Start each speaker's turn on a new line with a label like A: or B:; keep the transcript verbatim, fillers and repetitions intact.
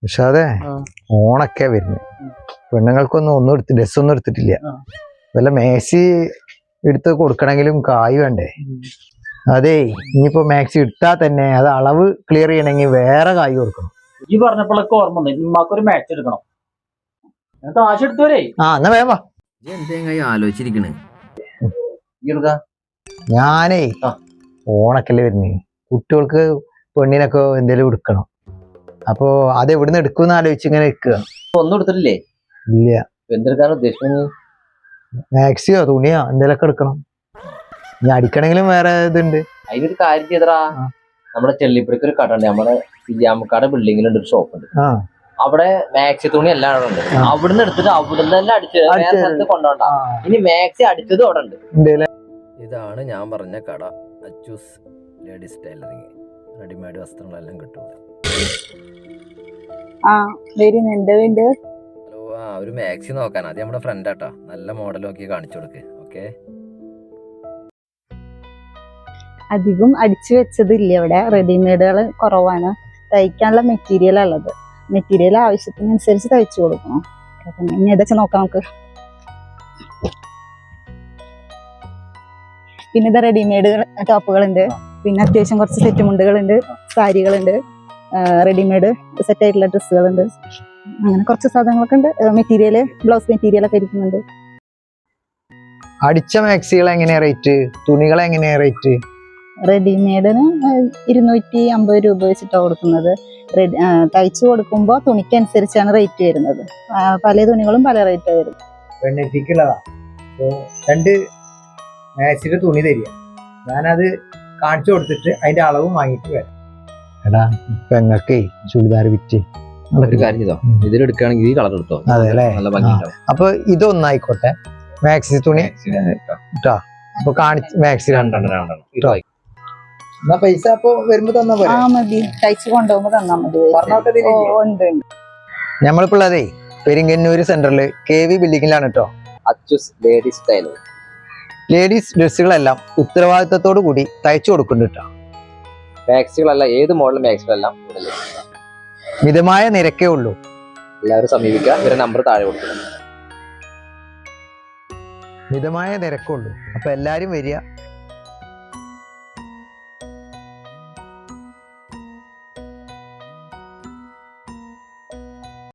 A: പക്ഷെ അതെ ഓണൊക്കെ വരുന്നത് പെണ്ണുങ്ങൾക്കൊന്നും ഒന്നും എടുത്ത് ഡ്രസ്സൊന്നും എടുത്തിട്ടില്ല. വല്ല മാക്സി എടുത്ത് കൊടുക്കണമെങ്കിലും കായ് വേണ്ടേ? അതെ, ഇനിയിപ്പോ മാക്സി എടുത്താ തന്നെ അത് അളവ് ക്ലിയർ ചെയ്യണമെങ്കിൽ വേറെ കായ് കൊടുക്കണം.
B: ഈ പറഞ്ഞപ്പോഴൊക്കെ ഓർമ്മ ഉമ്മാക്കൊരു മാച്ച് എടുക്കണം. കാശ് എടുത്തോരേ.
A: ആ എന്നാ വേവാ.
C: ആലോചിച്ചിരിക്കണേ
A: ഞാനേ ഓണക്കല്ലേ വരുന്നേ, കുട്ടികൾക്ക് പെണ്ണിനൊക്കെ എന്തേലും എടുക്കണം. അപ്പൊ അത് എവിടുന്ന് എടുക്കുമെന്ന് ആലോചിച്ച് ഇങ്ങനെ നിൽക്കുക.
C: ഒന്നും എടുത്തിട്ടില്ലേ?
A: ഇല്ല.
C: എന്തെടുക്കാൻ ഉദ്ദേശിക്കുന്നത്?
A: മാക്സിയോ തുണിയോ എന്തേലൊക്കെ എടുക്കണം. ഇനി അടിക്കണെങ്കിലും വേറെ ഇതുണ്ട്.
C: അതിനൊരു കാര്യം ചെയ്തടാ, നമ്മുടെ ചെള്ളിപ്പടിക്ക് ഒരു കട ഉണ്ട്, നമ്മുടെ സിജാമക്കാട് ബിൽഡിങ്ങിലുണ്ട് ഒരു ഷോപ്പ് ഉണ്ട്. അവിടെ മാക്സി തുണി എല്ലാം അവിടെ ഉണ്ട്. അവിടുന്ന് എടുത്തിട്ട് അവിടുന്ന് തന്നെ അടിച്ചത് വേറെ സ്ഥലത്ത് കൊണ്ടുപോണ്ട. ഇനി മാക്സി അടിച്ചത് അവിടെ ഉണ്ട്. ഇതാണ് ഞാൻ പറഞ്ഞ കട, അച്ചൂസ് ലേഡീസ് ടൈലറിങ്. റെഡിമെയ്ഡ് വസ്ത്രങ്ങളെല്ലാം കിട്ടും. ഹലോ, ആ ഒരു മാക്സി നോക്കാൻ. അത് നമ്മുടെ ഫ്രണ്ട് ആട്ടാ, നല്ല മോഡൽ നോക്കി കാണിച്ചു കൊടുക്ക്. ഓക്കെ.
D: അധികം അടിച്ചു വെച്ചതില്ല ഇവിടെ, റെഡിമെയ്ഡുകൾ കുറവാണ്. തയ്ക്കാനുള്ള മെറ്റീരിയൽ ഉള്ളത്, മെറ്റീരിയൽ ആവശ്യത്തിനനുസരിച്ച് തയ്ച്ചു കൊടുക്കണം. ഇനി ഏതൊക്കെ നോക്കാം നമുക്ക്. പിന്നെ ഇത് റെഡിമെയ്ഡ് ടോപ്പുകളുണ്ട്, പിന്നെ അത്യാവശ്യം കുറച്ച് സെറ്റ് മുണ്ടുകളുണ്ട്, സാരികളുണ്ട്, റെഡിമെയ്ഡ് സെറ്റ് ആയിട്ടുള്ള ഡ്രസ്സുകളുണ്ട്, അങ്ങനെ കുറച്ച് സാധനങ്ങളൊക്കെ ഉണ്ട്. മെറ്റീരിയൽ ബ്ലൗസ് മെറ്റീരിയൽ ഒക്കെ ഇരിക്കുന്നുണ്ട്.
A: അടിച്ച മാക്സികൾ എങ്ങനെയാ റേറ്റ്? തുണികൾ എങ്ങനെയാ റേറ്റ്?
D: റെഡിമെയ്ഡിന് ഇരുന്നൂറ്റി അമ്പത് രൂപ വെച്ചിട്ടാണ് കൊടുക്കുന്നത്. റെഡി തയ്ച്ചു കൊടുക്കുമ്പോൾ തുണിക്കനുസരിച്ചാണ് റേറ്റ് വരുന്നത്. പല തുണികളും പല റേറ്റ് വരും.
A: പെണ്ണെത്തിക്കുള്ളതാ. രണ്ട് മാക്സിയുടെ തുണി തരിക, ഞാനത് കാണിച്ചു കൊടുത്തിട്ട് അതിന്റെ അളവും വാങ്ങിട്ട് വരാം. എടാ പെങ്ങക്കേ ചുരിദാർ വിറ്റ്
C: ഒരു കാര്യം ചെയ്തോ, ഇതിലെടുക്കുകയാണെങ്കിൽ ഈ കളർ എടുത്തോ.
A: അതെ അല്ലേ?
C: നല്ല ഭംഗിയുണ്ടാവും.
A: അപ്പൊ ഇതൊന്നായിക്കോട്ടെ, മാക്സി തുണി കേട്ടോ. അപ്പൊ കാണിച്ച് മാക്സി രണ്ടെണ്ണം കേട്ടോ. എന്നാ പൈസ അപ്പൊ വരുമ്പോ തന്നാ പോലെ.
D: ആ മതി, തയ്ച്ചു കൊണ്ടുപോകുമ്പോ തന്നാ മതി. ഉണ്ട്.
A: നമ്മളിപ്പോ ഉള്ളതേ പെരിങ്ങന്നൂര് സെന്ററില് കെ വി ബിൽഡിങ്ങിലാണ് കേട്ടോ.
C: Achoos ladies tailoring.
A: ലേഡീസ് ഡ്രസ്സുകളെല്ലാം ഉത്തരവാദിത്തത്തോടു കൂടി തയ്ച്ചു കൊടുക്കുന്നുണ്ട് കേട്ടോ.
C: മാക്സികളല്ല, ഏത് മോഡൽ മാക്സികളെല്ലാം
A: മിതമായ നിരക്കേ ഉള്ളൂ.
C: എല്ലാവരും സമീപിക്കുക. ഇവരുടെ നമ്പർ താഴെ കൊടുക്കണം.
A: മിതമായ നിരക്കുള്ളൂ. അപ്പൊ എല്ലാരും വരിക,